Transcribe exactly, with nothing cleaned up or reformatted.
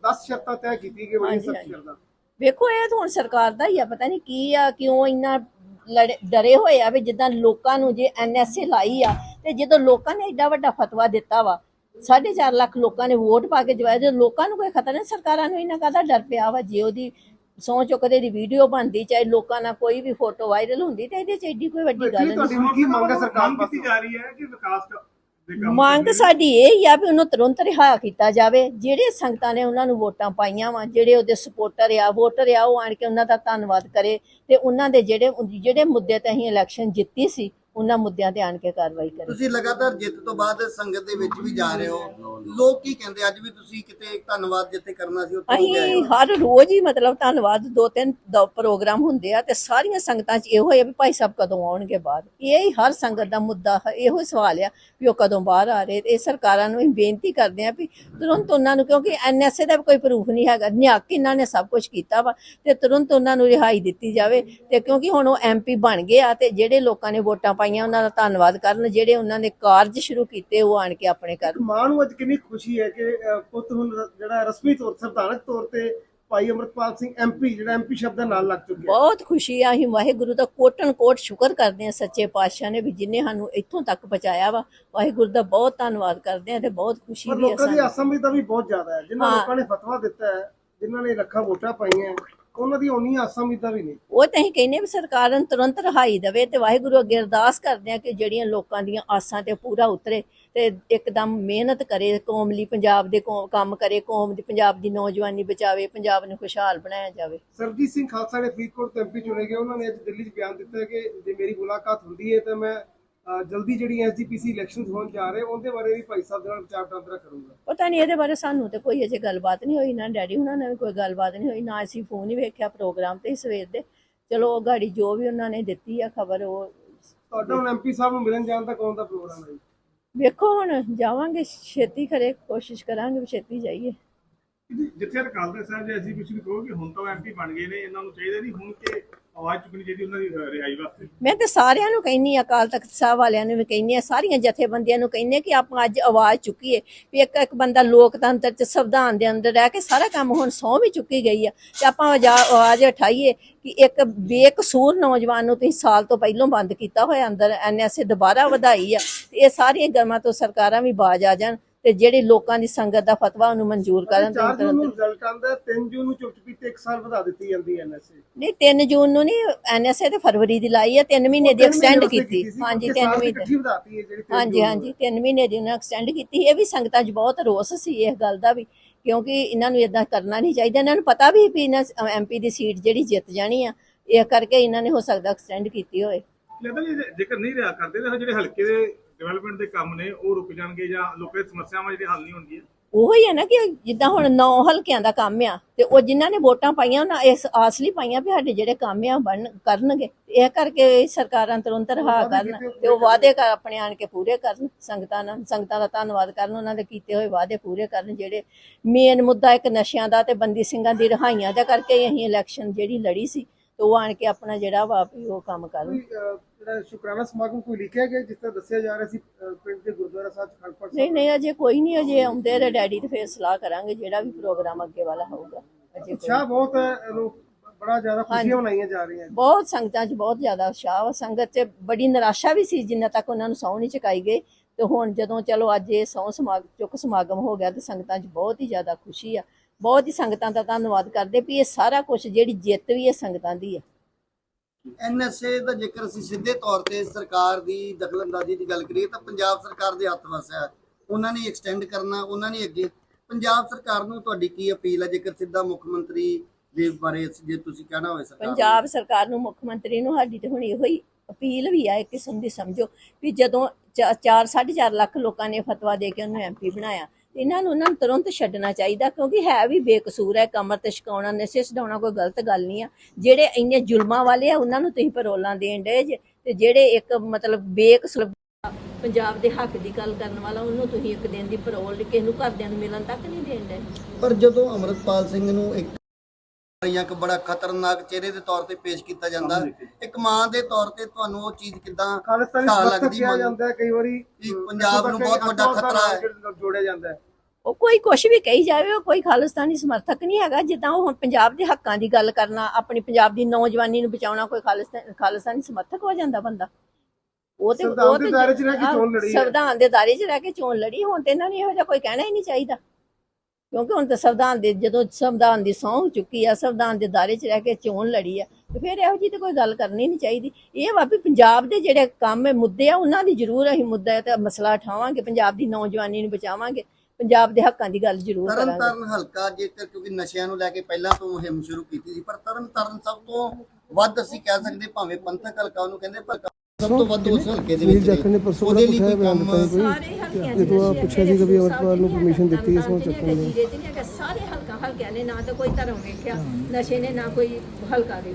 दस शर्तां तय की गई बड़ी सख्त शर्तां। ਵੇਖੋ ਇਹ ਤਾਂ ਹੁਣ ਸਰਕਾਰ ਦਾ ਹੀ ਆ, ਪਤਾ ਨਹੀਂ ਕੀ ਆ ਕਿਉਂ ਇੰਨਾ ਲੜੇ ਡਰੇ ਹੋਏ ਆ ਵੀ ਜਿੱਦਾਂ ਲੋਕਾਂ ਨੂੰ ਜੇ ਐਨ ਐਸ ਏ ਲਾਈ ਆ ਤੇ ਜਦੋਂ ਲੋਕਾਂ ਨੇ ਏਡਾ ਵੱਡਾ ਫਤਵਾ ਦਿੱਤਾ ਵਾ ਸਾਢੇ ਚਾਰ ਲੱਖ ਲੋਕਾਂ ਨੇ ਵੋਟ ਪਾ ਕੇ ਜਵਾਇਆ, ਜਦੋਂ ਲੋਕਾਂ ਨੂੰ ਕੋਈ ਖਤਰਾ ਨਹੀਂ ਸਰਕਾਰਾਂ ਨੂੰ ਇਹਨਾਂ ਕਾਹਦਾ ਡਰ ਪਿਆ ਵਾ। ਜੇ ਉਹਦੀ ਸਹੁੰ ਚੁੱਕਦੇ ਦੀ ਵੀਡੀਓ ਬਣਦੀ ਚਾਹੇ ਲੋਕਾਂ ਨਾਲ ਕੋਈ ਵੀ ਫੋਟੋ ਵਾਇਰਲ ਹੁੰਦੀ ਤੇ ਇਹਦੇ ਚ ਏਡੀ ਕੋਈ ਵੱਡੀ ਗੱਲ ਨਹੀਂ। ਕੀ ਮੰਗ ਹੈ ਸਰਕਾਰ ਕੀਤੀ ਜਾ ਰਹੀ ਹੈ ਕਿ ਵਿਕਾਸ ਮੰਗ ਸਾਡੀ ਇਹ ਹੀ ਆ ਵੀ ਉਹਨੂੰ ਤੁਰੰਤ ਰਿਹਾ ਕੀਤਾ ਜਾਵੇ। ਜਿਹੜੇ ਸੰਗਤਾਂ ਨੇ ਉਹਨਾਂ ਨੂੰ ਵੋਟਾਂ ਪਾਈਆਂ ਵਾ, ਜਿਹੜੇ ਉਹਦੇ ਸਪੋਰਟਰ ਆ ਵੋਟਰ ਆ, ਉਹ ਆਣ ਕੇ ਉਹਨਾਂ ਦਾ ਧੰਨਵਾਦ ਕਰੇ ਤੇ ਉਹਨਾਂ ਦੇ ਜਿਹੜੇ ਜਿਹੜੇ ਮੁੱਦੇ ਤੇ ਅਸੀਂ ਇਲੈਕਸ਼ਨ ਜਿੱਤੀ ਸੀ ਉਹਨਾਂ ਮੁੱਦਿਆਂ ਤੇ ਆਣ ਕੇ ਕਾਰਵਾਈ ਕਰੇ। ਤੁਸੀਂ ਲਗਾਤਾਰ ਜਿੱਤ ਤੋਂ ਬਾਅਦ ਸੰਗਤ ਦੇ ਵਿੱਚ ਵੀ ਜਾ ਰਹੇ ਹੋ, ਲੋਕ ਕੀ ਕਹਿੰਦੇ? ਅੱਜ ਵੀ ਤੁਸੀਂ ਕਿਤੇ ਧੰਨਵਾਦ ਜਿੱਥੇ ਕਰਨਾ ਸੀ ਉੱਥੇ ਅਸੀਂ ਹਰ ਰੋਜ਼ ਹੀ ਮਤਲਬ ਧੰਨਵਾਦ ਦੋ ਤਿੰਨ ਪ੍ਰੋਗਰਾਮ ਹੁੰਦੇ ਆ ਤੇ ਸਾਰੀਆਂ ਸੰਗਤਾਂ 'ਚ ਇਹੋ ਹੈ ਵੀ ਭਾਈ ਸਾਹਿਬ ਕਦੋਂ ਆਉਣਗੇ ਬਾਹਰ। ਇਹ ਹੀ ਹਰ ਸੰਗਤ ਦਾ ਮੁੱਦਾ ਇਹੋ ਸਵਾਲ ਆ ਵੀ ਉਹ ਕਦੋਂ ਬਾਹਰ ਆ ਰਹੇ। ਇਹ ਸਰਕਾਰਾਂ ਨੂੰ ਬੇਨਤੀ ਕਰਦੇ ਆ ਵੀ ਤੁਰੰਤ ਉਹਨਾਂ ਨੂੰ, ਕਿਉਂਕਿ ਐਨ ਐਸ ਏ ਦਾ ਕੋਈ ਪ੍ਰੂਫ ਨਹੀਂ ਹੈਗਾ, ਨਿਹੱਕ ਇਹਨਾਂ ਨੇ ਸਭ ਕੁਝ ਕੀਤਾ ਵਾ ਤੇ ਤੁਰੰਤ ਉਹਨਾਂ ਨੂੰ ਰਿਹਾਈ ਦਿੱਤੀ ਜਾਵੇ। ਤੇ ਕਿਉਂਕਿ ਹੁਣ ਉਹ ਐਮ ਪੀ ਬਣ ਗਏ ਆ ਤੇ ਜਿਹੜੇ ਲੋਕਾਂ ਨੇ ਵੋਟਾਂ ਉਹਨਾਂ ਦਾ ਧੰਨਵਾਦ ਕਰਨ, ਜਿਹੜੇ ਉਹਨਾਂ ਨੇ ਕਾਰਜ ਸ਼ੁਰੂ ਕੀਤੇ ਉਹ ਆਣ ਕੇ ਆਪਣੇ ਕਰਨ। ਮਾਂ ਨੂੰ ਅੱਜ ਕਿੰਨੀ ਖੁਸ਼ੀ ਹੈ ਕਿ ਪੁੱਤ ਹੁਣ ਜਿਹੜਾ ਰਸਮੀ ਤੌਰ ਸੰਵਿਧਾਨਕ ਤੌਰ ਤੇ ਭਾਈ ਅਮਰਪਾਲ ਸਿੰਘ ਐਮ ਪੀ ਜਿਹੜਾ ਐਮ ਪੀ ਸ਼ਬਦ ਨਾਲ ਲੱਗ ਚੁੱਕਿਆ। ਬਹੁਤ ਖੁਸ਼ੀ ਆ। ਅਸੀਂ ਵਾਹਿਗੁਰੂ ਦਾ ਕੋਟਨ ਕੋਟ ਸ਼ੁਕਰ ਕਰਦੇ ਆ ਸੱਚੇ ਪਾਤਸ਼ਾਹ ਨੇ ਵੀ ਜਿਨੇ ਸਾਨੂੰ ਇੱਥੋਂ ਤੱਕ ਪਹੁੰਚਾਇਆ ਵਾ। ਵਾਹਿਗੁਰੂ ਦਾ ਬਹੁਤ ਧੰਨਵਾਦ ਕਰਦੇ ਆ ਤੇ ਬਹੁਤ ਖੁਸ਼ੀ ਵੀ ਆ। ਲੋਕਾਂ ਦੀ ਆਸਾਂ ਵੀ ਤਾਂ ਵੀ ਬਹੁਤ ਜ਼ਿਆਦਾ ਹੈ, ਜਿਨ੍ਹਾਂ ਲੋਕਾਂ ਨੇ ਫਤਵਾ ਦਿੱਤਾ ਹੈ, ਜਿਨ੍ਹਾਂ ਨੇ ਲੱਖਾਂ ਵੋਟਾਂ ਪਾਈਆਂ, ਉਹਨਾਂ ਦੀ ਉਨੀ ਆਸਾਂ ਉਮੀਦਾਂ ਵੀ ਨਹੀਂ। ਉਹ ਤਾਂ ਅਸੀਂ ਕਹਿੰਦੇ ਵੀ ਸਰਕਾਰ ਨੂੰ ਤੁਰੰਤ ਰਿਹਾਈ ਦੇਵੇ ਤੇ ਵਾਹਿਗੁਰੂ ਅੱਗੇ ਅਰਦਾਸ ਕਰਦੇ ਆ ਕਿ ਜਿਹੜੀਆਂ ਲੋਕਾਂ ਦੀਆਂ ਆਸਾਂ ਤੇ ਪੂਰਾ ਉਤਰੇ ਤੇ ਇੱਕਦਮ ਮਿਹਨਤ ਕਰੇ, ਕੌਮ ਲਈ ਪੰਜਾਬ ਦੇ ਕੰਮ ਕਰੇ, ਕੌਮ ਦੀ ਪੰਜਾਬ ਦੀ ਨੌਜਵਾਨੀ ਬਚਾਵੇ, ਪੰਜਾਬ ਨੂੰ ਖੁਸ਼ਹਾਲ ਬਣਾਇਆ ਜਾਵੇ। ਸਰਬਜੀਤ ਸਿੰਘ ਖਾਲਸਾ ਨੇ ਫਰੀਦਕੋਟ ਤੋਂ ਐਮ ਪੀ ਚੁਣੇ ਗਏ, ਉਹਨਾਂ ਨੇ ਅੱਜ ਦਿੱਲੀ 'ਚ ਬਿਆਨ ਦਿੱਤਾ ਕਿ ਜੇ ਮੇਰੀ ਮੁਲਾਕਾਤ ਹੁੰਦੀ ਹੈ ਤਾਂ ਮੈਂ ਜਲਦੀ ਜਿਹੜੀ ਐਸ ਜੀ ਪੀ ਸੀ ਇਲੈਕਸ਼ਨਸ ਹੋਣ ਜਾ ਰਹੇ ਉਹਦੇ ਬਾਰੇ ਵੀ ਭਾਈ ਸਾਹਿਬ ਦੇ ਨਾਲ ਵਿਚਾਰ ਵਟਾਂਦਰਾ ਕਰੂੰਗਾ। ਪਤਾ ਨਹੀਂ ਇਹਦੇ ਬਾਰੇ ਸਾਨੂੰ ਤੇ ਕੋਈ ਅਜੇ ਗੱਲਬਾਤ ਨਹੀਂ ਹੋਈ, ਨਾ ਡੈਡੀ ਹੁਣਾਂ ਨਾਲ ਵੀ ਕੋਈ ਗੱਲਬਾਤ ਨਹੀਂ ਹੋਈ, ਨਾ ਅਸੀਂ ਫੋਨ ਹੀ ਵੇਖਿਆ ਪ੍ਰੋਗਰਾਮ ਤੇ ਸਵੇਰ ਦੇ। ਚਲੋ ਉਹ ਗਾੜੀ ਜੋ ਵੀ ਉਹਨਾਂ ਨੇ ਦਿੱਤੀ ਆ ਖਬਰ, ਉਹ ਤੁਹਾਡਾ ਹੁਣ ਐਮ ਪੀ ਸਾਹਿਬ ਨੂੰ ਮਿਲਣ ਜਾਣ ਦਾ ਕੌਣ ਦਾ ਪ੍ਰੋਗਰਾਮ ਹੈ? ਵੇਖੋ ਹੁਣ ਜਾਵਾਂਗੇ, ਛੇਤੀ ਖਰੇ ਕੋਸ਼ਿਸ਼ ਕਰਾਂਗੇ ਛੇਤੀ ਜਾਈਏ। ਜਿੱਥੇ ਅਕਾਲ ਤਖਤ ਸਾਹਿਬ ਜੇ ਅਸੀਂ ਕੁਝ ਵੀ ਕਹੋ ਕਿ ਹੁਣ ਤਾਂ ਐਮ ਪੀ ਬਣ ਗਏ ਨੇ, ਇਹਨਾਂ ਨੂੰ ਚਾਹੀਦਾ ਨਹੀਂ ਹੁਣ ਕਿ ਆਵਾਜ਼ ਚੁੱਕਣੀ ਚਾਹੀਦੀ ਉਹਨਾਂ ਦੀ ਰਿਹਾਈ ਵਾਸਤੇ। ਮੈਂ ਤੇ ਸਾਰਿਆਂ ਨੂੰ ਕਹਿੰਨੀ ਆ, ਅਕਾਲ ਤਖਤ ਸਾਹਿਬ ਵਾਲਿਆਂ ਨੂੰ ਵੀ ਕਹਿੰਨੀ ਆ, ਸਾਰੀਆਂ ਜਥੇਬੰਦੀਆਂ ਨੂੰ ਕਹਿੰਨੀ ਆ ਕਿ ਆਪਾਂ ਅੱਜ ਆਵਾਜ਼ ਚੁੱਕੀਏ ਵੀ ਇੱਕ ਇੱਕ ਬੰਦਾ ਲੋਕਤੰਤਰ ਚ ਸੰਵਿਧਾਨ ਦੇ ਅੰਦਰ ਰਹਿ ਕੇ ਸਾਰਾ ਕੰਮ ਹੁਣ ਸਹੁੰ ਵੀ ਚੁੱਕੀ ਗਈ ਆ ਤੇ ਆਪਾਂ ਆਵਾਜ਼ ਉਠਾਈਏ ਕਿ ਇੱਕ ਬੇਕਸੂਰ ਨੌਜਵਾਨ ਨੂੰ ਤੁਸੀਂ ਸਾਲ ਤੋਂ ਪਹਿਲਾਂ ਬੰਦ ਕੀਤਾ ਹੋਇਆ ਅੰਦਰ ਐਨ ਐਸ ਏ ਦੁਬਾਰਾ ਵਧਾਈ ਆ। ਤੇ ਇਹ ਸਾਰੀਆਂ ਗੱਲਾਂ ਤੋਂ ਸਰਕਾਰਾਂ ਵੀ ਬਾਜ ਆ ਜਾਣ ਤੇ ਜਿਹੜੇ ਲੋਕਾਂ ਦੀ ਸੰਗਤ ਦਾ ਫਤਵਾ ਉਹਨੂੰ ਮਨਜ਼ੂਰ ਕਰਨ। ਚਾਰ ਜੂਨ ਨੂੰ ਰਿਜ਼ਲਟ ਆਉਂਦਾ, ਤਿੰਨ ਜੂਨ ਨੂੰ ਚੁੱਪ ਚੁਪੀਤੇ ਇੱਕ ਸਾਲ ਵਧਾ ਦਿੱਤੀ ਜਾਂਦੀ ਐਨ ਐਸ ਏ। ਨਹੀਂ ਤਿੰਨ ਜੂਨ ਨੂੰ ਨਹੀਂ, ਐਨ ਐਸ ਏ ਤੇ ਫਰਵਰੀ ਦੀ ਲਾਈ ਆ, ਤਿੰਨ ਮਹੀਨੇ ਦੀ ਐਕਸਟੈਂਡ ਕੀਤੀ। ਹਾਂਜੀ ਤਿੰਨ ਮਹੀਨੇ, ਹਾਂਜੀ ਹਾਂਜੀ ਤਿੰਨ ਮਹੀਨੇ ਦੀ ਉਹਨਾਂ ਐਕਸਟੈਂਡ ਕੀਤੀ। ਇਹ ਵੀ ਸੰਗਤਾਂ 'ਚ ਬਹੁਤ ਰੋਸ ਸੀ ਇਸ ਗੱਲ ਦਾ ਵੀ, ਕਿਉਂਕਿ ਇਹਨਾਂ ਨੂੰ ਏਦਾਂ ਕਰਨਾ ਨਹੀਂ ਚਾਹੀਦਾ। ਇਹਨਾਂ ਨੂੰ ਪਤਾ ਵੀ ਵੀ ਇਹਨਾਂ ਐਮ ਪੀ ਦੀ ਸੀਟ ਜਿਹੜੀ ਜਿੱਤ ਜਾਣੀ ਆ, ਇਹ ਕਰਕੇ ਇਹਨਾਂ ਨੇ ਹੋ ਸਕਦਾ ਐਕਸਟੈਂਡ ਕੀਤੀ ਹੋਏ। ਜੇਕਰ ਨਹੀਂ ਰਿਹਾ ਕਰਦੇ ਤਾਂ ਜਿਹੜੇ ਹਲਕੇ ਦੇ ਡਿਵੈਲਪਮੈਂਟ ਦੇ ਕੰਮ ਨੇ ਉਹ ਰੁਕ ਜਾਣਗੇ ਜਾਂ ਲੋਕਾਂ ਦੀ ਸਮੱਸਿਆਵਾਂ ਜਿਹੜੀ ਹੱਲ ਨਹੀਂ ਹੋਣਗੀਆਂ। ਉਹੋ ਹੀ ਹੈ ਨਾ ਕਿ ਜਿੱਦਾਂ ਹੁਣ ਨੌ ਹਲਕਿਆਂ ਦਾ ਕੰਮ ਆ ਤੇ ਉਹ ਜਿਨ੍ਹਾਂ ਨੇ ਵੋਟਾਂ ਪਾਈਆਂ ਉਹਨਾਂ ਇਸ ਆਸ ਲਈ ਪਾਈਆਂ ਵੀ ਸਾਡੇ ਜਿਹੜੇ ਕੰਮ ਆ ਬਣ ਕਰਨਗੇ। ਇਹ ਕਰਕੇ ਸਰਕਾਰਾਂ ਤੁਰੰਤ ਰਿਹਾ ਕਰਨ ਤੇ ਉਹ ਵਾਅਦੇ ਕਰ ਆਪਣੇ ਆਣ ਕੇ ਪੂਰੇ ਕਰਨ, ਸੰਗਤਾਂ ਨਾਲ ਸੰਗਤਾਂ ਦਾ ਧੰਨਵਾਦ ਕਰਨ, ਉਹਨਾਂ ਦੇ ਕੀਤੇ ਹੋਏ ਵਾਅਦੇ ਪੂਰੇ ਕਰਨ। ਜਿਹੜੇ ਮੇਨ ਮੁੱਦਾ ਇੱਕ ਨਸ਼ਿਆਂ ਦਾ ਤੇ ਬੰਦੀ ਸਿੰਘਾਂ ਦੀ ਰਿਹਾਈਆਂ ਦਾ ਕਰਕੇ ਅਸੀਂ ਇਲੈਕਸ਼ਨ ਜਿਹੜੀ ਲੜੀ ਸੀ ਤੇ ਉਹ ਆਣ ਕੇ ਆਪਣਾ ਜਿਹੜਾ ਵਾ ਉਹ ਕੰਮ ਕਰਨ। ਜਿਹੜਾ ਸ਼ੁਕਰਾਨਾ ਸਮਾਗਮ ਕੋਈ ਲਿਖਿਆ ਗਿਆ ਜਿਸ ਤਰ੍ਹਾਂ ਦੱਸਿਆ ਜਾ ਰਿਹਾ ਸੀ ਪਿੰਡ ਦੇ ਗੁਰਦੁਆਰਾ ਸਾਹਿਬ ਖੜਪੜ? ਨਹੀਂ ਨਹੀਂ ਅਜੇ ਕੋਈ ਨਹੀਂ, ਅਜੇ ਆਉਂਦੇ ਰੇ ਡੈਡੀ ਤੇ ਫੇਰ ਸਲਾਹ ਕਰਾਂਗੇ ਜਿਹੜਾ ਵੀ ਪ੍ਰੋਗਰਾਮ ਅੱਗੇ ਵਾਲਾ ਹੋਊਗਾ। ਅਜੇ ਅੱਛਾ, ਬਹੁਤ ਬੜਾ ਜ਼ਿਆਦਾ ਖੁਸ਼ੀਆਂ ਮਨਾਈਆਂ ਜਾ ਰਹੀਆਂ, ਬਹੁਤ ਸੰਗਤਾਂ 'ਚ ਬਹੁਤ ਜ਼ਿਆਦਾ ਉਤਸ਼ਾਹ ਵਾ। ਸੰਗਤ 'ਚ ਬੜੀ ਨਿਰਾਸ਼ਾ ਵੀ ਸੀ ਜਿੰਨਾ ਤੱਕ ਉਹਨਾਂ ਨੂੰ ਸਹੁੰ ਨਹੀਂ ਚੁਕਾਈ ਗਈ ਤੇ ਹੁਣ ਜਦੋਂ ਚਲੋ ਅੱਜ ਇਹ ਸਹੁੰ ਸਮਾਗਮ ਚੁੱਕ ਸਮਾਗਮ ਹੋ ਗਿਆ ਤੇ ਸੰਗਤਾਂ 'ਚ ਬਹੁਤ ਹੀ ਜ਼ਿਆਦਾ ਖੁਸ਼ੀ ਆ। ਬਹੁਤ ਹੀ ਸੰਗਤਾਂ ਦਾ ਧੰਨਵਾਦ ਕਰਦੇ ਵੀ ਇਹ ਸਾਰਾ ਕੁਝ ਜਿਹੜੀ ਜਿੱਤ ਵੀ ਇਹ ਸੰਗਤਾਂ ਦੀ ਆ। ਐਨ ਐਸ ਏ ਦਾ ਜੇਕਰ ਅਸੀਂ ਸਿੱਧੇ ਤੌਰ ਤੇ ਸਰਕਾਰ ਦੀ ਦਖਲਅੰਦਾਜ਼ੀ ਦੀ ਗੱਲ ਕਰੀਏ ਤਾਂ ਪੰਜਾਬ ਸਰਕਾਰ ਦੇ ਹੱਥ ਵਸ ਹੈ, ਉਹਨਾਂ ਨੇ ਐਕਸਟੈਂਡ ਕਰਨਾ, ਉਹਨਾਂ ਨੇ ਅੱਗੇ। ਪੰਜਾਬ ਸਰਕਾਰ ਨੂੰ ਤੁਹਾਡੀ ਕੀ ਅਪੀਲ ਹੈ ਜੇਕਰ ਸਿੱਧਾ ਮੁੱਖ ਮੰਤਰੀ ਦੇ ਬਾਰੇ ਜੇ ਤੁਸੀਂ ਕਹਿਣਾ ਹੋਵੇ? ਸਰਕਾਰ ਪੰਜਾਬ ਸਰਕਾਰ ਨੂੰ, ਮੁੱਖ ਮੰਤਰੀ ਨੂੰ ਸਾਡੀ ਤੇ ਹੁਣ ਇਹੋ ਹੀ ਅਪੀਲ ਵੀ ਆ ਇੱਕ ਕਿਸਮ ਦੀ, ਸਮਝੋ ਵੀ ਜਦੋਂ ਚਾਰ ਸਾਢੇ ਚਾਰ ਲੱਖ ਲੋਕਾਂ ਨੇ ਫਤਵਾ ਦੇ ਕੇ ਉਹਨੂੰ ਐਮ ਪੀ ਬਣਾਇਆ, ਇਹਨਾਂ ਨੂੰ ਉਹਨਾਂ ਨੂੰ ਤੁਰੰਤ ਛੱਡਣਾ ਚਾਹੀਦਾ ਕਿਉਂਕਿ ਹੈ ਵੀ ਬੇਕਸੂਰ ਹੈ। ਕਮਰ ਤੇ ਛਕਾਉਣਾ, ਨਸ਼ੇ ਛਡਾਉਣਾ ਕੋਈ ਗਲਤ ਗੱਲ ਨਹੀਂ ਆ। ਜਿਹੜੇ ਇੰਨੇ ਜ਼ੁਲਮਾਂ ਵਾਲੇ ਆ ਉਹਨਾਂ ਨੂੰ ਤੁਸੀਂ ਪਰੋਲਾਂ ਦੇਣ ਡੇ ਜੇ ਤੇ ਜਿਹੜੇ ਇੱਕ ਮਤਲਬ ਬੇਕਸੂਰ ਪੰਜਾਬ ਦੇ ਹੱਕ ਦੀ ਗੱਲ ਕਰਨ ਵਾਲਾ ਉਹਨੂੰ ਤੁਸੀਂ ਇੱਕ ਦਿਨ ਦੀ ਪਰੋਲ ਕਿਸੇ ਨੂੰ ਘਰਦਿਆਂ ਨੂੰ ਮਿਲਣ ਤੱਕ ਨਹੀਂ ਦੇਣ ਡੇ। ਪਰ ਜਦੋਂ ਅਮਰਪਾਲ ਸਿੰਘ ਨੂੰ ਇੱਕ ਇੱਕ ਬੜਾ ਖਤਰਨਾਕ ਚਿਹਰੇ ਦੇ ਤੌਰ ਤੇ ਪੇਸ਼ ਕੀਤਾ ਜਾਂਦਾ, ਇੱਕ ਮਾਂ ਦੇ ਤੌਰ ਤੇ ਤੁਹਾਨੂੰ ਉਹ ਚੀਜ਼ ਕਿੱਦਾਂ ਲੱਗਦੀ? ਜਾਂਦਾ ਕਈ ਵਾਰੀ ਪੰਜਾਬ ਨੂੰ ਬਹੁਤ ਵੱਡਾ ਖਤਰਾ ਹੈ ਜੋੜਿਆ ਜਾਂਦਾ ਹੈ। ਉਹ ਕੋਈ ਕੁਛ ਵੀ ਕਹੀ ਜਾਵੇ, ਉਹ ਕੋਈ ਖਾਲਿਸਤਾਨੀ ਸਮਰਥਕ ਨਹੀਂ ਹੈਗਾ। ਜਿੱਦਾਂ ਉਹ ਹੁਣ ਪੰਜਾਬ ਦੇ ਹੱਕਾਂ ਦੀ ਗੱਲ ਕਰਨਾ, ਆਪਣੀ ਪੰਜਾਬ ਦੀ ਨੌਜਵਾਨੀ ਨੂੰ ਬਚਾਉਣਾ, ਕੋਈ ਖਾਲਿਸਤਾਨ ਖਾਲਿਸਤਾਨੀ ਸਮਰਥਕ ਹੋ ਜਾਂਦਾ ਬੰਦਾ। ਉਹ ਤੇ ਸੰਵਿਧਾਨ ਉਹ ਦੇ ਤੇ ਦਾਇਰੇ 'ਚ ਰਹਿ ਕੇ ਚੋਣ ਲੜੀ ਹੈ। ਸੰਵਿਧਾਨ ਦੇ ਦਾਇਰੇ 'ਚ ਰਹਿ ਕੇ ਚੋਣ ਲੜੀ। ਹੁਣ ਤੇ ਇਹਨਾਂ ਨੂੰ ਇਹੋ ਜਿਹਾ ਕੋਈ ਕਹਿਣਾ ਹੀ ਨਹੀਂ ਚਾਹੀਦਾ, ਕਿਉਂਕਿ ਹੁਣ ਤਾਂ ਸੰਵਿਧਾਨ ਦੇ ਜਦੋਂ ਸੰਵਿਧਾਨ ਦੀ ਸਹੁੰ ਚੁੱਕੀ ਆ, ਸੰਵਿਧਾਨ ਦੇ ਦਾਇਰੇ 'ਚ ਰਹਿ ਕੇ ਚੋਣ ਲੜੀ ਆ, ਤੇ ਫਿਰ ਇਹੋ ਜਿਹੀ ਤੇ ਕੋਈ ਗੱਲ ਕਰਨੀ ਨਹੀਂ ਚਾਹੀਦੀ। ਇਹ ਵਾ ਵੀ ਪੰਜਾਬ ਦੇ ਜਿਹੜੇ ਕੰਮ ਹੈ, ਮੁੱਦੇ ਆ, ਉਹਨਾਂ ਦੀ ਜ਼ਰੂਰ ਅਸੀਂ ਮੁੱਦਾ ਤੇ ਮਸਲਾ ਉਠਾਵਾਂਗੇ, ਪੰਜਾਬ ਦੀ ਨੌਜਵਾਨੀ ਨੂੰ ਬਚਾਵਾਂਗੇ, ਪੰਜਾਬ ਦੇ ਹੱਕਾਂ ਦੀ ਗੱਲ ਜ਼ਰੂਰ ਤਰਨ ਕਰਾਂਗੇ। ਤਾਰਨ ਹਲਕਾ ਜੇਕਰ ਕਿਉਂਕਿ ਨਸ਼ਿਆਂ ਨੂੰ ਲੈ ਕੇ ਪਹਿਲਾਂ ਤੋਂ ਮੁਹਿੰਮ ਸ਼ੁਰੂ ਕੀਤੀ ਸੀ, ਪਰ ਤਰਨ ਤਾਰਨ ਸਭ ਤੋਂ ਵੱਧ ਅਸੀਂ ਕਹਿ ਸਕਦੇ, ਭਾਵੇਂ ਪੰਥਕ ਹਲਕਾ ਉਹਨੂੰ ਕਹਿੰਦੇ, ਪਰ ਸਭ ਤੋਂ ਵੱਧ ਉਸ ਹਲਕੇ ਦੇ ਵਿੱਚ ਜਾਖੜ ਨੇ ਪਰਸੋਂ ਉਹਦੇ ਲਈ ਬੜਾ ਕੋਈ ਕੰਮ ਸਾਰੇ ਹਲਕਿਆਂ ਇਹ ਤੋਂ ਪੁੱਛਿਆ ਸੀ ਕਿ ਵੀ ਅਮਰਪਾਲ ਨੂੰ ਪਰਮਿਸ਼ਨ ਦਿੱਤੀ ਇਸ ਨੂੰ ਚੱਕਣ ਦੀ। ਸਾਰੇ ਹਲਕਾ ਹਲਕਿਆਂ ਨੇ ਨਾ ਤਾਂ ਕੋਈ ਧਰਮ ਵੇਖਿਆ, ਨਸ਼ੇ ਨੇ ਨਾ ਕੋਈ ਹਲਕਾ ਵੇਖਿਆ।